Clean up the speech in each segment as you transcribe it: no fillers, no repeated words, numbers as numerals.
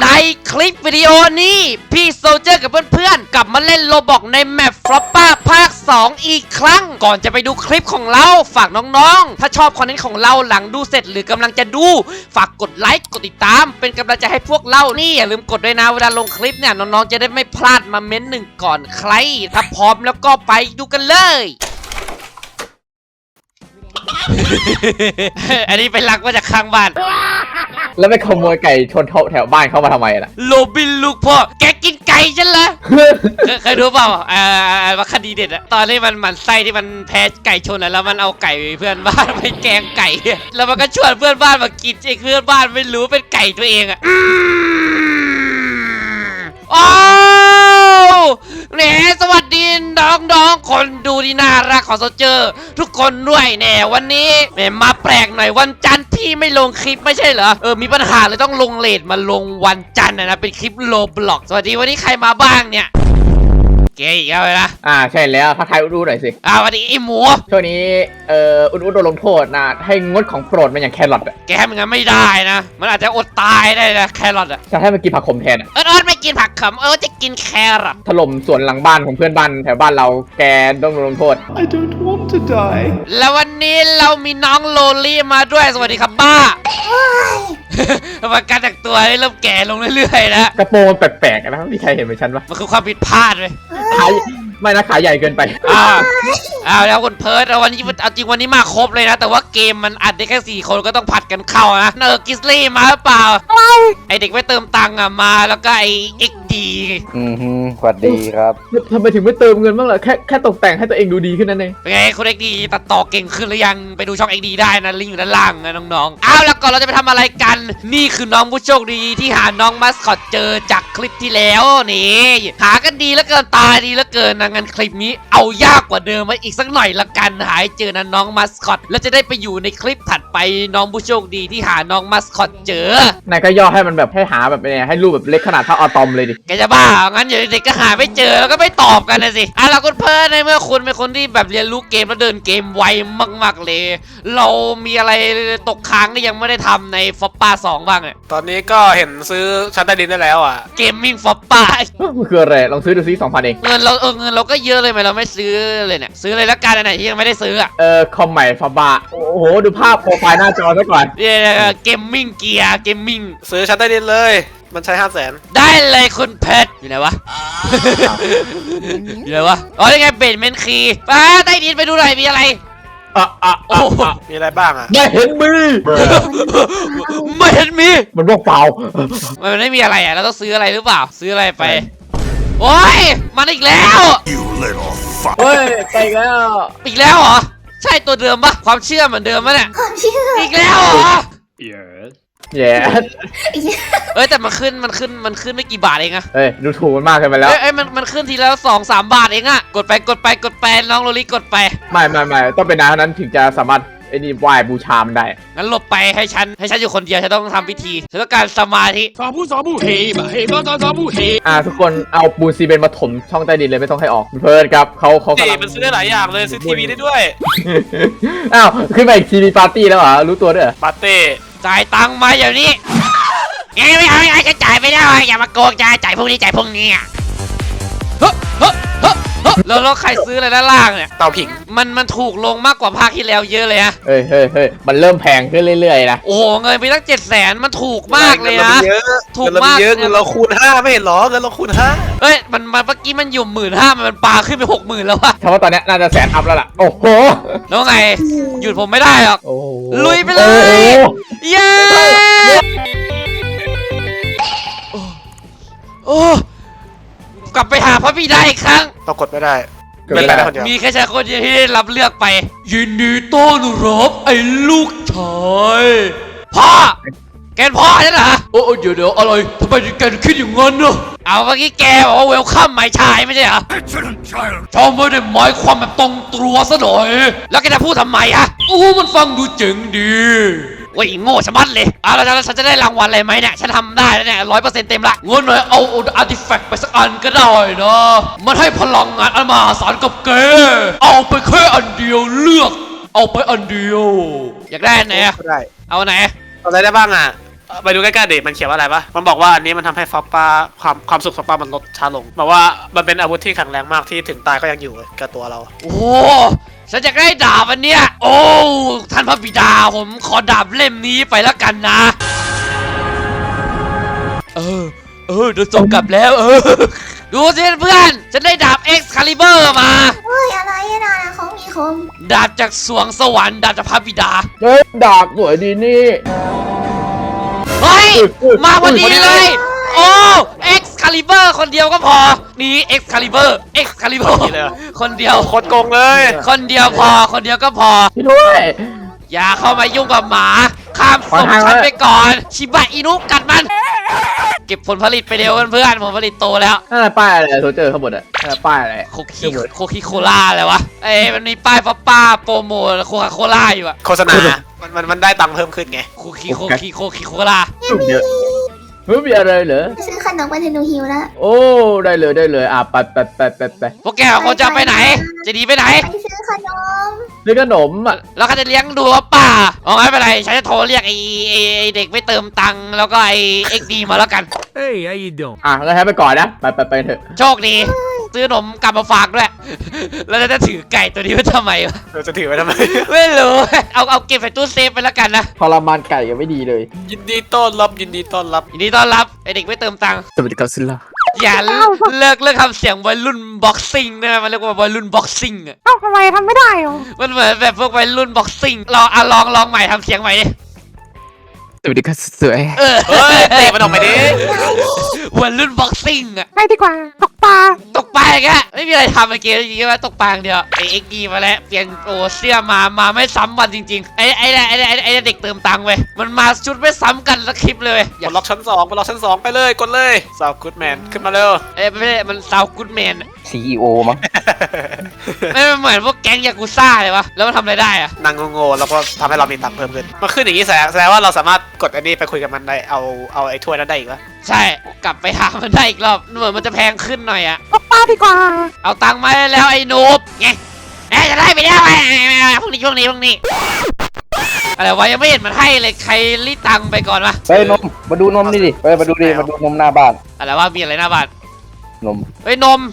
ในคลิปวิดีโอนี้พี่โซลเจอร์กับเพื่อนๆกลับมาเล่นโรบอกในแมปฟลอปป้าภาค 2 อีกครั้งก่อนจะไปดูคลิปของเราฝากน้องๆถ้าชอบคอนเทนต์ของเราหลังดูเสร็จหรือกำลังจะดูฝากกดไลค์กดติดตามเป็นกำลังใจให้พวกเรานี่อย่าลืมกดด้วยนะเวลาลงคลิปเนี่ยน้องๆจะได้ไม่พลาดมาเม้นหนึ่งก่อนใครถ้าพร้อมแล้วก็ไปดูกันเลยอันนี้เป็นลักมาจากข้างบ้านแล้วไปขโมยไก่ชนแถวบ้านเข้ามาทำไมล่ะโรบินลูกพ่อแกกินไก่ฉันเหรอ เคยดูเปล่าว่าคดีเด็ดอะตอนที่มันหมั่นไส้ที่มันแพ้ไก่ชนอะแล้วมันเอาไก่เพื่อนบ้านไปแกงไก่แล้วมันก็ชวนเพื่อนบ้านมากินไอ้เพื่อนบ้านไม่รู้เป็นไก่ตัวเองอะโอ้แหนสวัสดีน้องๆคนดูที่น่ารักของโซเจอร์ทุกคนด้วยแน่วันนี้แหมมาแปลกหน่อยวันจันทร์พี่ไม่ลงคลิปไม่ใช่เหรอมีปัญหาเลยต้องลงเลทมาลงวันจันทร์นะเป็นคลิปโลบล็อกสวัสดีวันนี้ใครมาบ้างเนี่ยเก๋อีกแล้วเลยนะใช่แล้วทักทายอุดหน่อยสิวันนี้ไอหมูช่วงนี้อุดโดนลงโทษนะให้งดของโปรดมันอย่างแครอทอะแกมันงั้นไม่ได้นะมันอาจจะอดตายได้นะแครอทอะจะให้มันกินผักขมแทนไม่กินผักขมจะกินแครอทถล่มสวนหลังบ้านของเพื่อนบ้านแถวบ้านเราแกต้องลงโทษ I don't want to die แล้ววันนี้เรามีน้องโลลี่มาด้วยสวัสดีครับบ้ามาการแต่งตัวเริ่มแก่ลงเรื่อยๆนะกระโปรงแปลกๆนะมีใครเห็นเหมือนฉันปะมันคือความผิดพลาดเลยไม่นะขาใหญ่เกินไปแล้วคนเพิร์ดวันนี้เอาจริงวันนี้มาครบเลยนะแต่ว่าเกมมันอัดได้แค่4 คนก็ต้องผัดกันเข้านะกิสลี่มาหรือเปล่าไอเด็กไม่เติมตังค์มาแล้วก็ไอเอ็กดีสวัสดีครับทำไมถึงไม่เติมเงินบ้างล่ะแค่ตกแต่งให้ตัวเองดูดีขึ้นนั่นเองเป็นไงคุณเอ็กดีตัดต่อเก่งขึ้นหรือยังไปดูช่องเอ็กดีได้นะลิงก์อยู่ด้านล่างนะน้องๆแล้วก่อนเราจะไปทำอะไรกันนี่คือน้องผู้โชคดีที่หาน้องมัสคอตเจอจากคลิปที่แล้วนี่หากันดีแล้วเกินตาดีแล้วเกินนะงั้นคลิปนี้เอายากกว่าเดิมมาอีกสักหน่อยละกันหาเจอนะน้องมัสคอตแล้วจะได้ไปอยู่ในคลิปถัดไปน้องผู้โชคดีที่หาน้องมัสคอตเจอนายก็ย่อให้มันแบบให้หาแบบนี้ให้รูปแบบเล็กขนาดเท่าอะตอมเลยดิแกจะบ้างั้นเดี๋ยวเด็กก็หาไม่เจอแล้วก็ไม่ตอบกันนะสิเราคุณเพิ่นในเมื่อคุณเป็นคนที่แบบเรียนรู้เกมแล้วเดินเกมไวมากๆเลยเรามีอะไรตกค้างที่ยังไม่ได้ทำในฟอปป้า2บ้างเนี่ยตอนนี้ก็เห็นซื้อชั้นใต้ดินได้แล้วอ่ะเกมมิ่งฟอปป้ามันคืออะไรลองซื้อดูซิ2,000เองเงินเราก็เยอะเลยไหมเราไม่ซื้อเลยเนี่ยซื้อเลยละกันไหนที่ยังไม่ได้ซื้อคอมใหม่ฟอปป้าโอ้โหดูภาพโปรไฟล์หน้าจอซะก่อนเกมมิ่งเกียร์เกมมิ่งซื้อชั้นใต้ดินเลยมันใช้500,000 ได้เลยคุณเพชรอยู่ไหนวะอยู่ไหนวะยังไงเบนเมนคีป้าใต้ดินไปดูหน่อยมีอะไรโอ้มีอะไรบ้างอ่ะไม่เห็นมีไม่เห็นมีมันว่างเปล่ามันไม่มีอะไรเราต้องซื้ออะไรหรือเปล่าซื้ออะไรไปโอ้ยมันอีกแล้วเฮ้ยไปอีกแล้วเหรอใช่ตัวเดิมปะความเชื่อเหมือนเดิมปะเนี่ยอีกแล้วเหรอแย่แต่มันขึ้นไม่กี่บาทเองอะดูถูกมันมากเกินไปแล้วมันขึ้นทีละ2-3 บาทเองอะกดไปน้องโรลี่กดไปไม่ต้องเป็นนายนั้นถึงจะสามารถไหว้บูชามันได้งั้นหลบไปให้ฉันอยู่คนเดียวฉันต้องทำพิธีฉันต้องการสมาธิสาบูเฮมาเฮมาสาบูเฮทุกคนเอาปูนซีเมนต์มาถมช่องใต้ดินเลยไม่ต้องให้ออกเพิ่นครับเขากำลังมันซื้อได้หลายอย่างเลยซื้อทีวีได้ด้วยขึ้นมาอีกทีวีปาร์ตี้แล้วเหรอรู้ตัวด้วยปาร์ตี้จ่ายตังค์มาอย่างนี้ไม่เอาจะจ่ายไม่ได้อย่ามาโกงจ่ายพวกนี้แล้วใครซื้ออะไรด้านล่างเนี่ยเต่าผิงมันถูกลงมากกว่าภาคที่แล้วเยอะเลยฮะเฮ้ยมันเริ่มแพงขึ้นเรื่อยๆนะโอ้เงินไปตั้ง700,000มันถูกมากเลยนะถูกมากเงินเราคูณ5ไม่เห็นหรอเงินเราคูณ5 มันเมื่อกี้มันอยู่15,000มันปาขึ้นไป60,000แล้วอะเพราะว่าตอนนี้น่าจะ100,000 อัพแล้วล่ะโอ้โหแล้วไงหยุดผมไม่ได้หรอกลุยไปเลยเย้กลับไปหาพระบิดาอีกครั้งต้องกดไม่ได้มีแค่ชายคนเดียวที่ได้รับเลือกไปยินดีต้อนรับไอ้ลูกชายพ่อแกนพ่อใช่ไหมเดี๋ยวอะไรทำไมแกคิดอย่างนั้นเนอะเอาเมื่อกี้แกบอกว่าเวลคัมหมายชายไม่ใช่เหรอชอบไม่ได้หมายความแบบตรงตัวซะหน่อยแล้วแกจะพูดทำไมอะมันฟังดูเจ๋งดีโอ้ยโง่ชะมัดเลยแล้วฉันจะได้รางวัลอะไรไหมเนี่ยฉันทำได้แล้วเนี่ย100%เต็มละงั้นหน่อยเอาอาร์ติแฟกต์ไปสักอันก็ได้นะมันให้พลังงานอันมหาศาลกับแกเอาไปแค่อันเดียวเลือกเอาไปอันเดียวอยากได้ไหนอะได้เอาไหนเอาอะไรได้บ้างอะไปดูใกล้ๆดิมันเขียนว่าอะไรปะมันบอกว่าอันนี้มันทำให้ฟอปป้าความสุขฟอปป้ามันลดช้าลงบอกว่ามันเป็นอาวุธที่แข็งแรงมากที่ถึงตายก็ยังอยู่กับตัวเราโอ้ฉันจะได้ดาบอันเนี้ยโอ้ท่านพระบิดาผมขอดาบเล่มนี้ไปแล้วกันนะเดี๋ยวส่งกลับแล้วดูสิเพื่อนฉันได้ดาบ Excalibur มาเฮ้ยอะไรอะนะของมีคมดาบจากสวงสวรรค์ดาบจากพระบิดาเฮ้ยดาบสวยดีนี่เฮ้ยมาพอดีเลยโอ้ Excalibur คนเดียวก็พอนี่ Excalibur คนเดียวโคตรโกงเลยคนเดียวพอคนเดียวก็พอพี่ด้วยอย่าเข้ามายุ่งกับหมาข้ามศพฉันไปก่อนชิบะอินุกัดมัน เก็บผลผลิตไปเร็วเพื่อนๆผลผลิตโตแล้วนั่นอะไรป้ายอะไรโซเจอร์ข้างบนอ่ะนั่นอะไรป้ายอะไรโคโคล่าอะไรวะมันมีป้ายป้าโปรโมทโคคาโคล่าอยู่อะโฆษณามันได้ตังค์เพิ่มขึ้นไงโคโคล่าเยอะเฮ้ยมีอะไรเหรอซื้อขนมไปเทนูฮิวแล้วโอ้ได้เลยไปพวกแกคนจะไปไหนจะหนีไปไหนไปซื้อขนมเรื่องขนมอ่ะแล้วเขาจะเลี้ยงดูว่าป้าอ๋อไม่เป็นไรฉันจะโทรเรียกไอ้เด็กไม่เติมตังค์แล้วก็ไอ้ XD มาแล้วกันอ่ะงั้นให้ไปก่อนนะไปเถอะโชคดีซื้อขนมกลับมาฝากด้วยแล้วจะถือไก่ตัวนี้ไว้ทำไมวะเราจะถือไว้ทำไมไม่รู้ เอาเก็บใส่ตู้เซฟไปแล้วกันนะทรมานไก่กันไม่ดีเลยยินดีต้อนรับยินดีต้อนรับไอเด็กไม่เติมตังค์สวัสดีครับซิลล่าอย่าเลิกทำเสียงวัยรุ่นบ็อกซิ่งนะมันเรียกว่าวัยรุ่นบ็อกซิ่งอ่ะเอ้าทำไมทำไม่ได้หรอมันเหมือนแบบพวกวัยรุ่นบ็อกซิ่งลองใหม่ทำเสียงใหม่ดิสวัสดีครับสวยเฮ้ยเตะมันออกไปดิวัยรุ่นบ็อกซิ่งอ่ะไปดีกว่าตกปลาตกปลาแกไม่มีอะไรทำเมื่อกี้จริงๆว่าตกปลาอย่างเดียวไอเอ็กดีมาแล้วเปลี่ยนเสื้อมาไม่ซ้ำวันจริงๆไอเด็กเติมตังค์เว้ยมันมาชุดไม่ซ้ำกันสักคลิปเลยกดล็อกชั้น2ไปเลยกดเลยสาวกู๊ดแมนขึ้นมาเร็วไม่ได้มันซาวกูดแมน CEO มั้งไม่เหมือนพวกแก๊งยากุซ่าเลยวะแล้วมันทำอะไรได้อะนางโง่ๆแล้วก็ทำให้เรามีตังค์เพิ่มขึ้นมันขึ้นอย่างนี้แสดงว่าเราสามารถกดอันนี้ไปคุยกับมันได้เอาไอ้ถ้วยนั้นได้อีกวะใช่กลับไปหามันได้อีกรอบเหมือนมันจะแพงขึ้นหน่อยอะตกปลาดีกว่าเอาตังค์มาได้แล้วไอ้นูบไงจะได้ไปแล้วไอ้พวกนี้อะไรวะยังไม่เห็นมันให้เลยใครรีดตังค์ไปก่อนวะเฮ้ยนมมาดูนมนี่ดิเฮ้ยมาดูนมหน้าบ้านอะไรวะมีอะไรหน้าบ้านนมเฮ้ยนม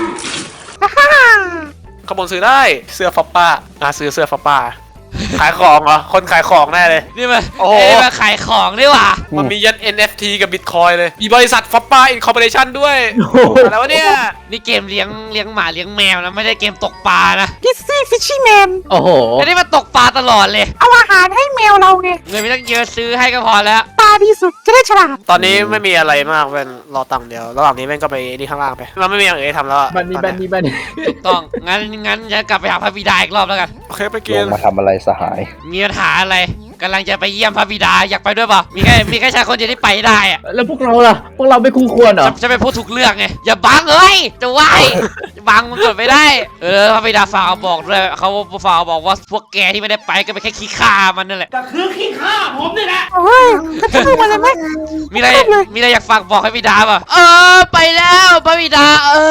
ขบวนซื้อได้เสื้อฟอปป้าซื้อเสื้อฟอปป้าขายของเหรอคนขายของแน่เลยนี่มันโอ้โหมาขายของนี่หว่ามันมียัน NFT กับ Bitcoin เลยมีบริษัทฟอปป้าอินคอร์ปอเรชั่นด้วยอะไรวะเนี่ยนี่เกมเลี้ยงหมาเลี้ยงแมวนะไม่ได้เกมตกปลานะกิซซี่ฟิชชี่แมนโอ้โหอันนี้มาตกปลาตลอดเลยเอาอาหารให้แมวเราไงเงินไม่ต้องเยอะซื้อให้ก็พอแล้วปลาดีสุดจะได้ฉลาดตอนนี้ไม่มีอะไรมากเป็นรอตังค์เดียวระหว่างนี้แม่งก็ไปนี่ข้างล่างไปมันไม่มีอย่างอื่นให้ทำแล้วอะบ้านนี้ถูกต้องงั้นจะกลับไปหาพระบิดาอีกรอบแล้วกันโอเคไปลกินงมาทำอะไรสหายมีปัญหาอะไรกำลังจะไปเยี่ยมพระบิดาอยากไปด้วยเปล่ามีแค่ชายคนเดียวที่ไปได้อะแล้วพวกเราล่ะพวกเราไม่คู่ควรเหรอจะไปพูดถูกเรื่องไงอย่าบังเอ้ยจะไหวบังมันกดไม่ได้พระบิดาฝากบอกด้วยเขาฝากบอกว่าพวกแกที่ไม่ได้ไปก็เป็นแค่ขี้ข้ามันนั่นแหละเฮ้ยก็ช่างมันเลยไหมมีอะไรอยากฝากบอกให้บิดาป่ะไปแล้วพระบิดา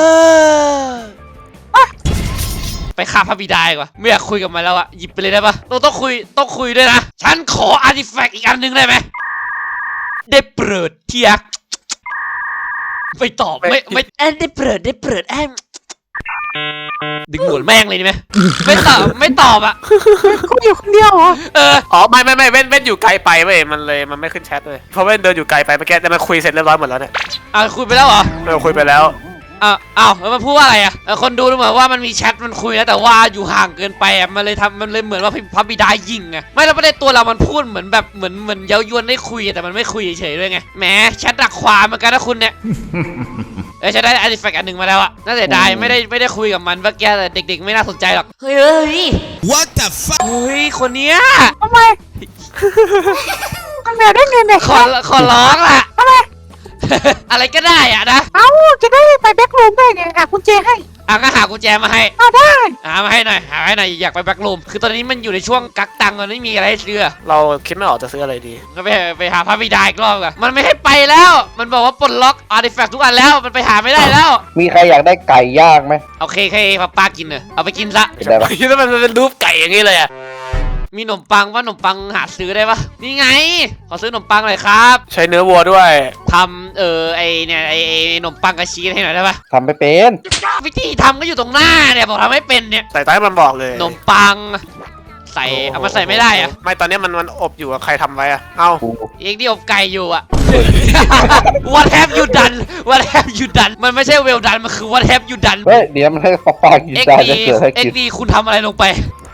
ไปฆ่าพระบิดาดีกว่าไม่อยากคุยกับมันแล้วอะหยิบไปเลยได้ปะต้องคุยด้วยนะฉันขออาร์ติแฟกต์อีกอันหนึงได้ไหมได้โปรดเทียกไม่ตอบไม่ได้โปรดดึงหนวดแม่งเลยดีไหมไม่ตอบอะคุยอยู่คนเดียวเหรออ๋อไม่เว้นอยู่ไกลไปเว้ยมันไม่ขึ้นแชทเลยเพราะเว้นเดินอยู่ไกลไปเมื่อกี้แต่มันคุยเสร็จเรียบร้อยหมดแล้วเนี่ยคุยไปแล้วเหรอคุยไปแล้วแล้วมันพูดว่าอะไรอะคนดูเหมือนว่ามันมีแชทมันคุยนะแต่ว่าอยู่ห่างเกินไปอะมันเลยเหมือนว่าพระบิดายิงไงไม่แล้วประเด็นตัวเรามันพูดเหมือนแบบเหมือนเย้ายวนได้คุยแต่มันไม่คุยเฉยๆด้วยไงแหมแชทดักความเหมือนกันนะคุณเนี่ยฉันได้อาร์ติแฟกต์อันหนึ่งมาแล้วอะน่าเสียดายไม่ได้คุยกับมันเมื่อกี้แต่เด็กๆไม่น่าสนใจหรอกเฮ้ย What the fuck เฮ้ยคนเนี้ยทำไมทำไมได้เงินเนี่ยขอร้องล่ะทำไมอะไรก็ได้อะนะเอ้าจะได้ไปแบ็กรูมได้ไงหากุญแจให้ก็หากุญแจมาให้เอาได้มาให้หน่อยอยากไปแบ็กรูมคือตอนนี้มันอยู่ในช่วงกักตังค์มันไม่มีอะไรให้ซื้อเราคิดไม่ออกจะซื้ออะไรดีก็ไปหาพระบิดาอีกรอบกันมันไม่ให้ไปแล้วมันบอกว่าปลดล็อกอาร์ติแฟกต์ทุกอันแล้วมันไปหาไม่ได้แล้วมีใครอยากได้ไก่ย่างไหมโอเคป้ากินเนอะเอาไปกินซะได้ปะคิดว่ามันเป็นรูปไก่อย่างนี้เลยอะมีขนมปังว่าขนมปังหาซื้อได้ปะนี่ไงขอซื้อขนมปังหน่อยครับใช้เนื้อวัวด้วยทำไอเนี่ยไอขนมปังกับชีสให้หน่อยได้ปะทำไปเป็นวิธีทำก็อยู่ตรงหน้าเนี่ยบอกทำไม่เป็นเนี่ยใส่ใต้มันบอกเลยขนมปังใส่เอามาใส่ไม่ได้อะไม่ตอนนี้มันอบอยู่อะใครทำไว้อะเอ้ากูเองที่อบไก่อยู่อะ What have you done What have you done มันไม่ใช่ well done มันคือ What have you done เฮ้ยเดี๋ยวมันให้ฟอปป้ากินเอ็กได้ดีจะเกิดให้เอ็กิกนดีคุณทำอะไรลงไป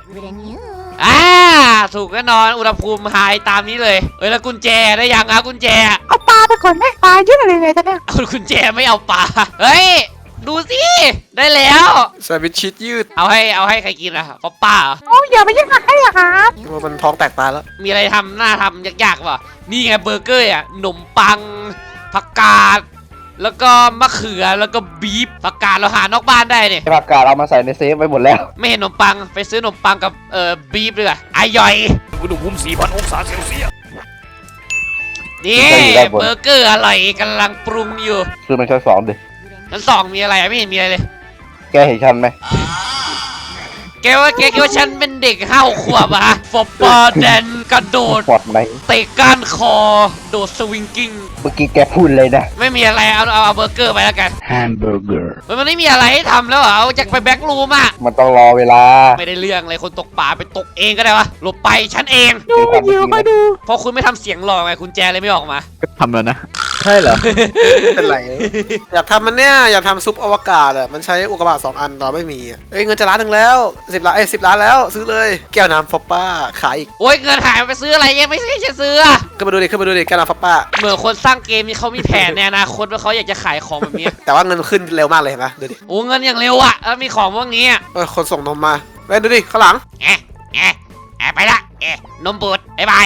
ถูกแน่นอนอุณหภูมิไฮตามนี้เลยแล้วกุญแจได้ยังอะกุญแจเอาปลาไปก่อนไหมปลาเยอะเลยเนี่ยตอนเนี้ยเอากุญแจไม่เอาปลาเฮ้ยดูสิได้แล้วแซนด์วิชชีสยืดเอาให้ใครกินอะป๊อปป้าเหรอโอ้ยอย่าไปยิ่งหักให้อะครับว่ามันท้องแตกตายแล้วมีอะไรทำหน้าทำยากๆป่ะนี่ไงเบอร์เกอร์อะขนมปังผักกาดแล้วก็มะเขือแล้วก็บีฟผักกาดเราหานอกบ้านได้เนี่ยผักกาดเอามาใส่ในเซฟไว้หมดแล้วไม่เห็นขนมปังไปซื้อขนมปังกับบีฟเลยอะอายอยอุณหภูมิ 4,000 องศาเซลเซียสนี่เบอร์เกอร์อร่อยกำลังปรุงอยู่คือมันชั้นสองดิชั้นสองมีอะไรอะไม่เห็นมีอะไรเลยแกเห็นฉันไหมแกว่าฉันเป็นเด็ก5 ขวบอะฟอปปอแดนกระโดดปอดไหมเตะก้านคอโดดสวิงกิ้งเมื่อกี้แกพูดเลยนะไม่มีอะไรเอาเบอร์เกอร์ไปแล้วกันแฮมเบอร์เกอร์มันไม่มีอะไรให้ทำแล้วเหรอเอาจากไปแบ็กรูมอะมันต้องรอเวลาไม่ได้เรื่องเลยคนตกปลาไปตกเองก็ได้วะหลบไปฉันเองดูวิดีโอก็ดูเพราะคุณไม่ทำเสียงหลอกไงคุณแจเลยไม่ออกมาทำแล้วนะ ใช่เหรอเป็นไร อยากทำมันเนี่ยอยากทำซุปอวกาศอะมันใช้อุกกาบาต2 อันเราไม่มีอะเอ้ยเงินจะล้านหนึ่งแล้ว10 ล้าน10 ล้านแล้วซื้อเลยแก้วน้ำฟอปป้าขายอีกโอ๊ยเงินหายไปซื้ออะไรยังไม่ใช่จะซื้ออะขึ้นมาดูดิแก้วน้ำฟอปป้าเหมือนคนสร้างเกมนี่เขามีแผนในอนาคตว่าเขาอยากจะขายของแบบนี้แต่ว่าเงินขึ้นเร็วมากเลยเห็นปะดูดิโอ้เงินอย่างเร็วอะแล้วมีของพวกนี้อะคนส่งนมมาไปดูดิข้างหลังแอะไปละนมบูดบ๊ายบาย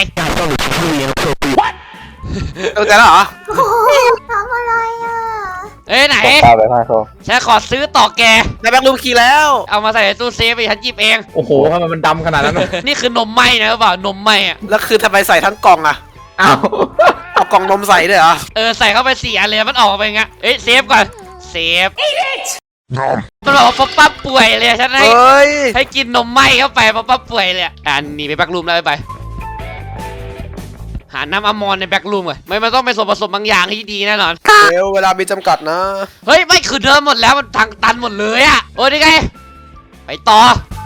เข้าใจแล้วเหรอโอ้โหทำอะไรอ่ะเอ้ยไหนฟอปป้าไปพาเขาฉันขอซื้อต่อแกในแบ็ครูมคีย์แล้วเอามาใส่ในตู้เซฟไปฉันหยิบเองโอ้โหทำไมมันดำขนาดนั้นอะนี่คือนมไหมนะหรือเปล่านมไหมอะแล้วคือทำไมใส่ทั้งกล่องอะอ้าวเอากล่องนมใส่ด้วยเหรอใส่เข้าไป4 อันเลยมันออกมาเป็นไงเซฟก่อนเซฟมันบอกว่าป๊อปป้าป่วยเลยฉันเฮ้ยให้กินนมไหมเข้าไปป๊อปป้าป่วยเลยหนีไปแบ็กรูมแล้วไปหาน้ำอะมอนในแบ็กรูมก่อนมันต้องเป็นส่วนผสมบางอย่างที่ดีแน่นอนเร็วเวลามีจำกัดนะเฮ้ยไม่คือเดินหมดแล้วมันทางตันหมดเลยอะโอ้ยนี่ไงไปต่อ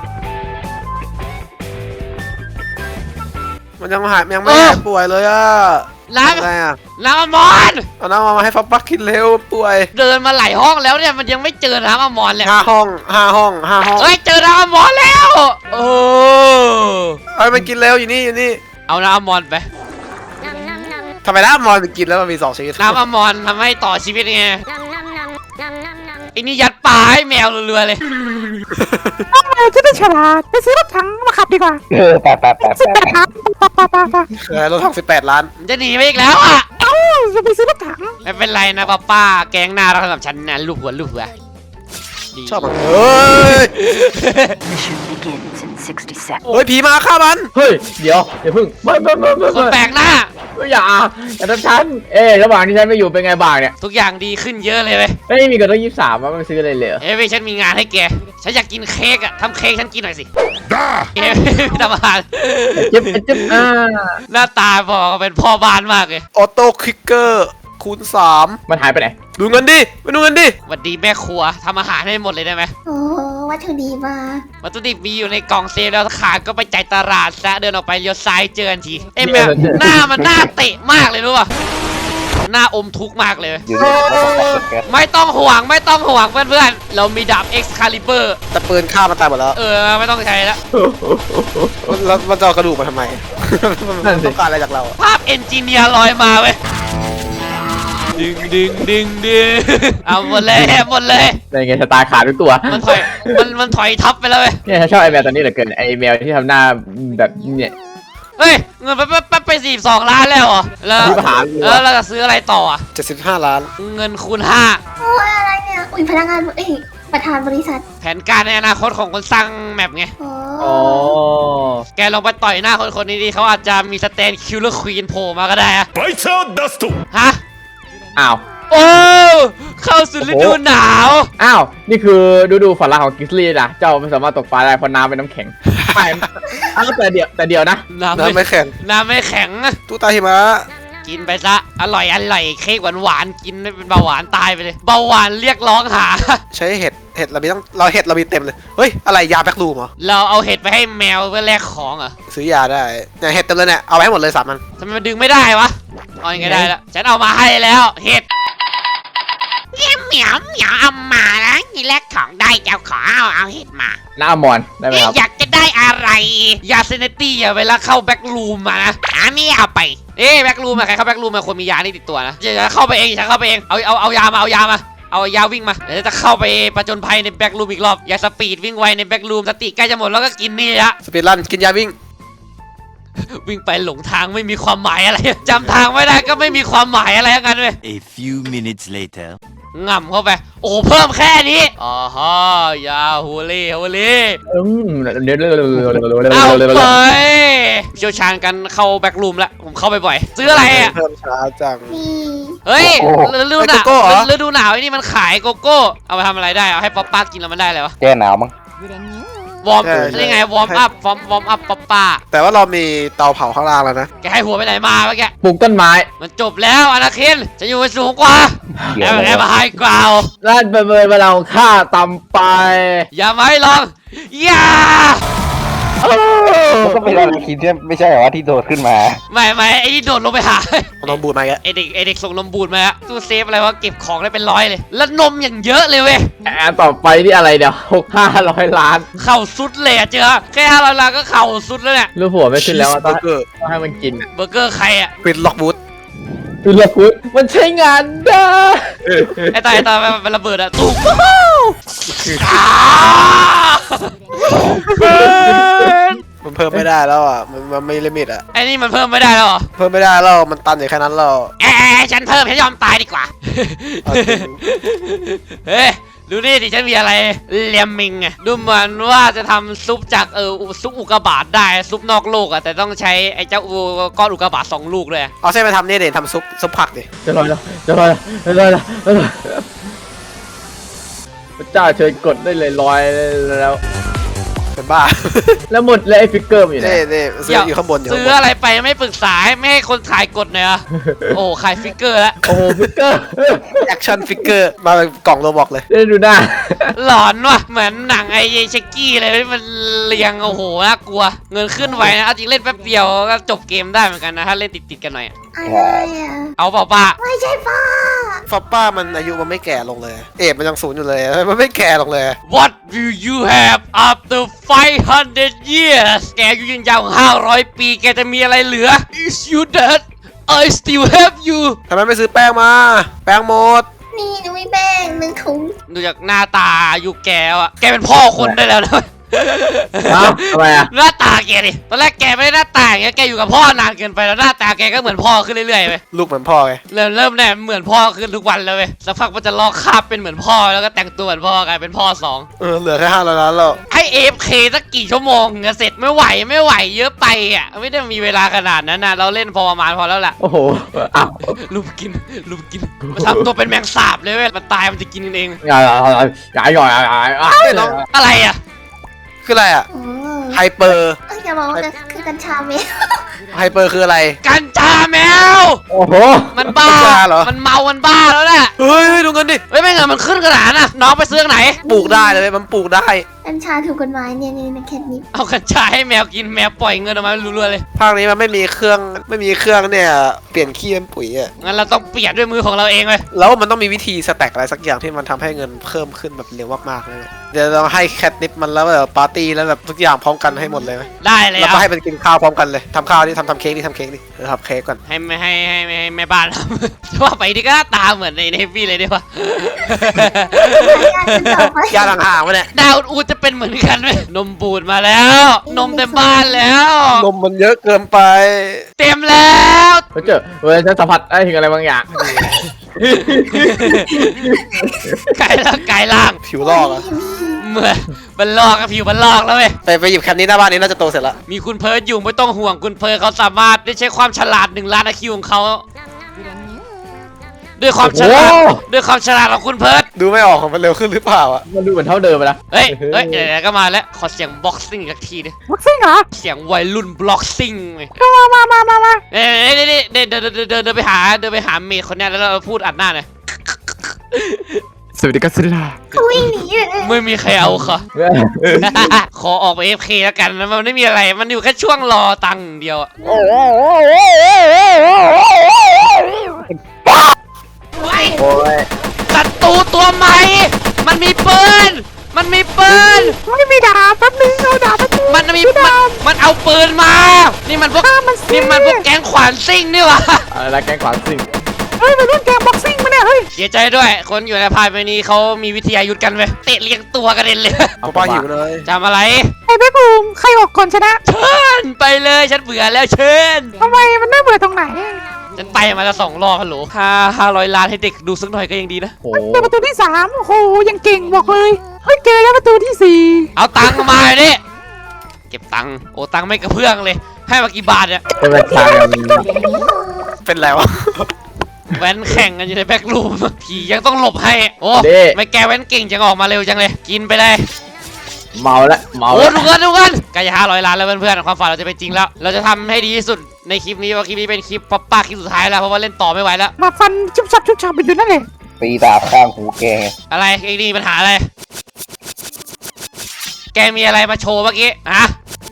มันยังไม่หายป่วยเลยอะน้อะไรอะำน้ำอะมอนเอาน้ำมาให้ฟอปป้ากินเร็วป่วยเดินมาหลายห้องแล้วเนี่ยมันยังไม่เจอน้ำอะมอนเลย 5 ห้องเฮ้ยเจอน้ำอะมอนแล้วโอ้เอามันกินเร็วอยู่นี่เอาน้ำอะมอนไปทำไมน้ำมอนมันกินแล้วมันมี2 ชนิดน้ำอะมอนทำให้ต่อชีวิตไงไอ้นี่ยัดปลาให้แมวเรือๆเลยต้องเลยจะได้ฉลาดไปซื้อรถถังมาขับดีกว่าแปะ 18 ล้านปะรถถัง18 ล้านจะหนีไปอีกแล้วอ่ะเอ้าจะไปซื้อรถถังไม่เป็นไรนะป้าแกงหน้าเราสำหรับฉันนะลูกหัวดีชอบมันเฮ้ย Mission begins in 60 seconds. เฮ้ยผีมาฆ่ามันเฮ้ย เดี๋ยวอย่าพึ่งไม่คนแปลกหน้าอย่าทำฉัน ระหว่างที่ฉันไม่อยู่เป็นไงบ้างเนี่ยทุกอย่างดีขึ้นเยอะเลยเว้ยไม่มีกันตั้ง23ว่ามันซื้ออะไรเลยเหรอเอ้ยฉันมีงานให้แกฉันอยากกินเค้กอ่ะทำเค้กฉันกินหน่อยสิเอ้ยทำอาหารจิ๊บหน้าตาบอกว่าเป็นพ่อบ้านมากเลยออโต้คลิกเกอร์คูณมันหายไปไหน 3ดูเงินดิไปดูเงินดิหวัดดีแม่ครัวทำอาหารให้หมดเลยได้ไหมโอ้วัตถุดิบมาวัตถุดิบมีอยู่ในกล่องเซฟแล้วขาดก็ไปจ่ายตลาดซะเดินออกไปเลี้ยวซ้ายเจอกันทีเอ้ยแม่หน้ามันหน้าเตะมากเลยรู้ป่ะหน้าอมทุกข์มากเลยอยู่นี่แล้วก็ปักแก๊สไม่ต้องห่วงเพื่อนๆเรามีดาบ Excalibur แต่ปืนฆ่ามันตายหมดแล้วไม่ต้องใช้แล้วแล้วมันจะเอากระดูกมาทำไม มันต้องการอะไรจากเราอะภาพเอนจิเนียร์ลอยมาเว้ยดึงเอาหมดเลยเป็นไงชะตาขาดทุกตัวมันถอยทับไปแล้วเว้ยเนี่ยฉันชอบไอแมวตัวนี้เหลือเกินไอแมวที่ทำหน้าแบบเนี่ยเฮ้ยเงินไป42 ล้านแล้วเหรอแล้วมีปัญหาอยู่อะแล้วเราจะซื้ออะไรต่ออ่ะ 75 ล้านเงินคูณโอ้ยอะไรเนี่ย อุ้ยพนักงานประธานบริษัท 5แผนการในอนาคตของคนสร้างแมปไงโอ้อ๋อแกลองไปต่อยหน้าคนนี้ดิเขาอาจจะมีสแตนคิลเลอร์ควีนโผล่มาก็ได้อะバイチャーダストฮะอ้าวโอ้เข้าสู่ฤดูหนาวอ้าว นี่คือดูฝันร้ายของกิสลี่นะ เจ้าไม่สามารถตกปลาได้เพราะน้ำเป็นน้ำแข็ง ไม่อ้าวแต่เดี๋ยวนะน้ำน้ำไม่แข็งน้ำไม่แข็งตู้ตาหิมะกินไปซะอร่อยเค้กหวานกินเป็นเบาหวานตายไปเลยเบาหวานเรียกร้องหาใช้เห็ดเรามีเรามีเต็มเลยเฮ้ยอะไรยาแบ็กลูมเหรอเราเอาเห็ดไปให้แมวเพื่อแลกของเหรอซื้อยาได้เนี่ยเห็ดเต็มเลยเนี่ยเอาไปให้หมดเลย3 อันทำไมมันดึงไม่ได้วะเอายังไงได้ละฉันเอามาให้แล้วเห็ดเหมียวเอามาแล้วนี่แลกของได้เจ้าขอเอาเห็ดมาหน้ามอนได้ไหมครับอยากจะได้อะไรยาเซนตี้อย่าเวลาเข้าแบ็กรูมมานะไม่เอาไปแบ็กรูมใครเข้าแบ็กรูมมาคนมียานี่ติดตัวนะจะเข้าไปเองฉันเข้าไปเองเอายามาเอายาวิ่งมาเดี๋ยวจะเข้าไปประจนภัยในแบ็กรูมอีกรอบอย่าสปีดวิ่งไวในแบ็กรูมสติใกล้จะหมดแล้วก็กินนี่ละสปีดรันกินยาวิ่งวิ่งไปหลงทางไม่มีความหมายอะไรจำทางไม่ได้ก็ไม่มีความหมายอะไรทั้งนั้นเลย A few minutes later ง่ำเข้าไปโอ้เพิ่มแค่นี้อ๋อฮะยาฮูเล่เอาไปเชี่ยวชาญกันเข้าแบ็กรูมแล้วผมเข้าไปบ่อยซื้ออะไรอ่ะเพิ่มช้าจังนี่เฮ้ยฤดูหนาวโกโก้เหรอฤดูหนาวไอ้นี่มันขายโกโก้เอาไปทำอะไรได้เอาให้ป๊อปป้ากินแล้วมันได้อะไรวะแก้หนาวมั้งวอร์มนี่ไงวอร์มอัพป๊อปป้าแต่ว่าเรามีเตาเผาข้างล่างแล้วนะแกให้หัวไปไหนมาเมื่อกี้ปลูกต้นไม้มันจบแล้วอนาคินจะอยู่สูงกว่าเขียวเลยแอบมาให้กล่าวนั่นเป็นเวลาของข้าตำไปอย่ามาให้ลองอย่ามันก็เป็นอะไรคิดที่ไม่ใช่เหรอว่าที่โดดขึ้นมาไม่ไอ้นี่โดดลงไปหาเอานมบูดมาอีกแล้วไอเด็กส่งนมบูดมาตู้เซฟอะไรวะเก็บของได้เป็นร้อยเลย แล้วนมอย่างเยอะเลยเว้ยต่อไปที่อะไรเดี๋ยว500 ล้านเข่าสุดเลยอะเจอแค่500 ล้านก็เข่าสุดแล้วเนี่ยรูปหัวไม่ขึ้นแล้วอะต้องเบอร์เกอร์ให้มันกินอะเบอร์เกอร์ใครอะปิดล็อกบูธคือเลือกพุทมันใช้งานได้ไอ้ตามันระเบิดอะตุ๊กมันเพิ่มไม่ได้แล้วอ่ะมันไม่ลิมิตอ่ะไอ้นี่มันเพิ่มไม่ได้แล้วเหรอเพิ่มไม่ได้แล้วมันตันอยู่แค่นั้นแล้วฉันเพิ่มฉันยอมตายดีกว่าเอาจริงเฮ้ยดูนี่ดิฉันมีอะไรเลียมมิงอะดูเหมือนว่าจะทำซุปจากซุปอุกกาบาตได้ซุปนอกโลกอะแต่ต้องใช้ไอ้เจ้าก้อนอุกกาบาต2 ลูกเลยเอาเส้นไปทำนี่เดี๋ยวทำซุปผักดิจะลอยแล้วพระเจ้าเชิญกดได้เลยลอยแล้วเป็นบ้าแล้วหมดเลยไอ้ฟิกเกอร์มันอยู่ไหนนี่ซื้ออยู่ข้างบนอยู่ซื้ออะไรไปไม่ปรึกษาไม่ให้คนขายกดเลยอะโอ้ขายฟิกเกอร์แล้วโอ้โหฟิกเกอร์แอคชั่นฟิกเกอร์มาเป็นกล่องโรบอกเลยได้ดูหน้าหลอนว่ะเหมือนหนังไอ้เชคกี้เลยที่มันเรียงโอ้โหน่ากลัว เงินขึ้นไวนะเอาจริงเล่นแป๊บเดียวก็จบเกมได้เหมือนกันนะถ้าเล่นติดกันหน่อยอะไรอ่ะเอาเปล่าป้าไม่ใช่ป้าฟอปป้ามันอายุมันไม่แก่ลงเลย เอฟมันยัง0อยู่เลยมันไม่แก่ลงเลย What will you have after 500 years แกอายุยืนยาว500 ปีแกจะมีอะไรเหลือ Is you dead I still have you ทำไมไม่ซื้อแป้งมา แป้งหมดนี่หนูมีแป้ง1 ถุงดูจากหน้าตาอายุแกอะแกเป็นพ่อคนได้แล้วนะเอ้าทำไมอะหน้าตาแกดิตอนแรกแกไม่ได้หน้าตาอย่างเงี้ยแกอยู่กับพ่อนานเกินไปแล้วหน้าตาแกก็เหมือนพ่อขึ้นเรื่อยๆไปลูกเหมือนพ่อไงเริ่มเนี่ยเหมือนพ่อขึ้นทุกวันเลยเว้ยสักพักมันจะลอกคราบเป็นเหมือนพ่อแล้วก็แต่งตัวเหมือนพ่อกลายเป็นพ่อ2 เหลือแค่500 ล้านแล้วให้ AFK สักกี่ชั่วโมงจะเสร็จไม่ไหวเยอะไปอ่ะไม่ได้มีเวลาขนาดนั้นนะเราเล่นพอประมาณพอแล้วแหละโอ้โหอ้าวลุมกินมันทำตัวเป็นแมงสาบเลยเว้ยมันตายมันจะกินกันเองอย่าเฮ้ยน้องอะไรอ่ะคืออะไรอ่ะโอ้ไฮเปอร์อย่าบอกว่าคือกัญชาเม็ดไฮเปอร์คืออะไรกัญชาแมวโอ้โหมันบ้ากัญชาเหรอมันเมามันบ้าแล้วแหละเฮ้ยดูเงินดิเฮ้ยไม่เงินมันขึ้นขนาดน่ะน้องไปซื้อไหนปลูกได้เลยมันปลูกได้กัญชาถูกกฎหมายเนี่ยในแคทนิปเอากัญชาให้แมวกินแมวปล่อยเงินออกมารัวๆเลยภาคนี้มันไม่มีเครื่องเนี่ยเปลี่ยนขี้เป็นปุ๋ยอ่ะงั้นเราต้องเปลี่ยนด้วยมือของเราเองเลยแล้วมันต้องมีวิธีสแต็กอะไรสักอย่างที่มันทำให้เงินเพิ่มขึ้นแบบเร็วมากๆเลยเดี๋ยวเราให้แคทนิปมันแล้วแบบปาร์ตี้แล้วแบบทุกอย่างพร้อมกันให้หมดเลยไหมได้เลยแล้วเอาก็ให้มันกินข้าวพร้อมกันเลยทำข้าวนี่ทำเค้กนี่ทำเค้กนี่ทำเค้กก่อนให้แม่บ้านทำ จะว่าไปนี่ก็หน้าตาเหมือนในเฮฟวี่เลยดีวะยาห่างๆวะเนี่ยดาวอูดจะเป็นเหมือนกันไหมนมบูดมาแล้ว นมเต็มบ้านแล้วนมมันเยอะเกินไปเต็มแล้วเขาเจอฉันสัมผัสได้ถึงอะไรบางอย่างไก่ล่างผิวลอกอะเหมือนมันลอกกับผิวมันลอกแล้วเว้ยไปหยิบแคทนี้หน้าบ้านนี้น่าจะโตเสร็จละมีคุณเพิร์ดอยู่ไม่ต้องห่วงคุณเพิร์ดเขาสามารถได้ใช้ความฉลาด1 ล้านIQของเขาด้วยความฉลาดโอ้โหด้วยความฉลาดของคุณเพิร์ดดูไม่ออกของมันเร็วขึ้นหรือเปล่าอ่ะมันดูเหมือนเท่าเดิมไปละเฮ้ยเดี๋ยวก็มาแล้วขอเสียงบ็อกซิ่งอีกทีดิวัคซีนเหรอเสียงวัยรุ่นบล็อกซิ่งเลยมาเดินไปหาเมย์คนเนี้ยแล้วเราพูดอัดหน้าหน่อยสวัสดีครับสุดาเขาวิ่งหนีอยู่เลยไม่มีใครเอาค่ะ ขอออกไป AFK แล้วกันนะมันไม่มีอะไรมันอยู่แค่ช่วงรอตังค์เดียวอะไว้โอ้ยศัตรูตัวใหม่ มันมีปืนไม่มีดาบแป๊บนึงเอาดาบมาดูมันเอาปืนมา นี่มันพวกแก๊งขวานซิ่งนี่หวะอะไรนะแกงขวานซิ่งเฮ้ยมารุ่นแกงบ็อกซิ่งมาเนี่ยเฮ้ยเสียใจด้วย คนอยู่ในพายไปนี้เขามีวิทยายุทธกันเว้ยเตะเลียงตัวกันเลยโอป้าหิวเลยจำอะไรไอ้แบ็คบูมใครออกก่อนชนะเชิญไปเลยฉันเบื่อแล้วเชิญทำไมมันน่าเบื่อตรงไหนฉันไปมาแล้ว2 รอบฮัลโหล500 ล้านให้เด็กดูสักหน่อยก็ยังดีนะโอ้เจอประตูที่3โอ้โหยังเก่งบอกเลยเฮ้ยเจอแล้วประตูที่4 เอาตังค์มาดิเก็บตังค์โอ้ตังค์ไม่กระเพื่องเลย ให้มากี่บาทเนี่ยเป็นแบบทางเป็นไรวะแว้นแข่งกันอยู่ในแบ็กรูมผียังต้องหลบให้โอ้ไม่แกแว้นเก่งจังออกมาเร็วจังเลยกินไปเลยเมาละเมาโอ้ละดูกันใกล้จะ500 ล้านแล้วเพื่อนๆความฝันเราจะเป็นจริงแล้ว เราจะทำให้ดีที่สุดในคลิปนี้ว่าคลิปนี้เป็นคลิปป๊อปป้าคลิปสุดท้ายแล้วเพราะว่าเล่นต่อไม่ไหวแล้วมาฟันชุบชับไปอยู่นั่นเลยตีดาบข้างหูแกอะไรไอ้นี่ปัญหาอะไรแกมีอะไรมาโชว์เมื่อกี้ฮะ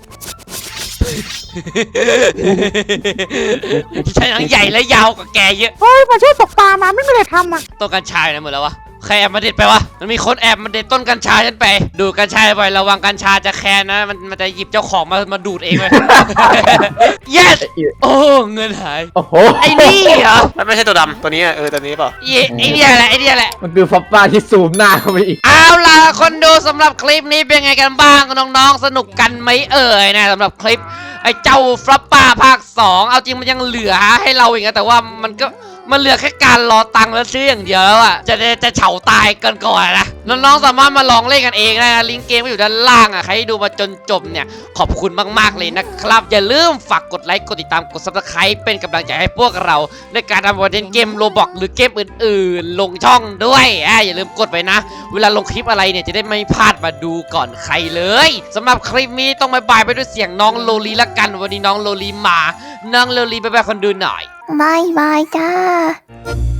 ใช่ทั้งใหญ่และยาวกว่าแกเยอะเฮ้ยมาช่วยตกปลามาไม่มีอะไรทำอ่ะต้นกัญชาอยู่ไหนหมดแล้ววะใครแอบมาเด็ดไปวะมันมีคนแอบมาเด็ดต้นกัญชาฉันไปดูดกัญชาบ่อยระวังกัญชาจะแคนนะมันจะหยิบเจ้าของมาดูดเองเลย yes โอ้เงินหายโอ้โหไอ้นี่เหรอมันไม่ใช่ตัวดำตัวนี้ตัวนี้เปล่าไอ้เนี่ยแหละไอ้เนี่ยแหละมันคือฟับป้าที่ซูมหน้าเข้าไปอีกเอาล่ะคนดูสำหรับคลิปนี้เป็นไงกันบ้างน้องๆสนุกกันไหมเอ่ยนะสำหรับคลิปไอ้เจ้าฟลัปป้าภาค 2เอาจริงมันยังเหลือให้เราอีกนะแต่ว่ามันเหลือแค่การรอตังค์แล้วซื้ออย่างเดียวแล้วอ่ะจะเฉาตายกันก่อนนะน้องๆสามารถมาลองเล่นกันเองได้นะลิงก์เกมก็อยู่ด้านล่างอ่ะใครที่ดูมาจนจบเนี่ยขอบคุณมากๆเลยนะครับอย่าลืมฝากกดไลค์กดติดตามกด Subscribe เป็นกำลังใจให้พวกเราในการทำคอนเทนต์เกมโรบอกหรือเกมอื่นๆลงช่องด้วยอย่าลืมกดไปนะเวลาลงคลิปอะไรเนี่ยจะได้ไม่พลาดมาดูก่อนใครเลยสำหรับคลิปนี้ต้องบายไปด้วยเสียงน้องโลลีละกันวันนี้น้องโลลีมาน้องโลลีไปคนดูหน่อยบายบายจ้า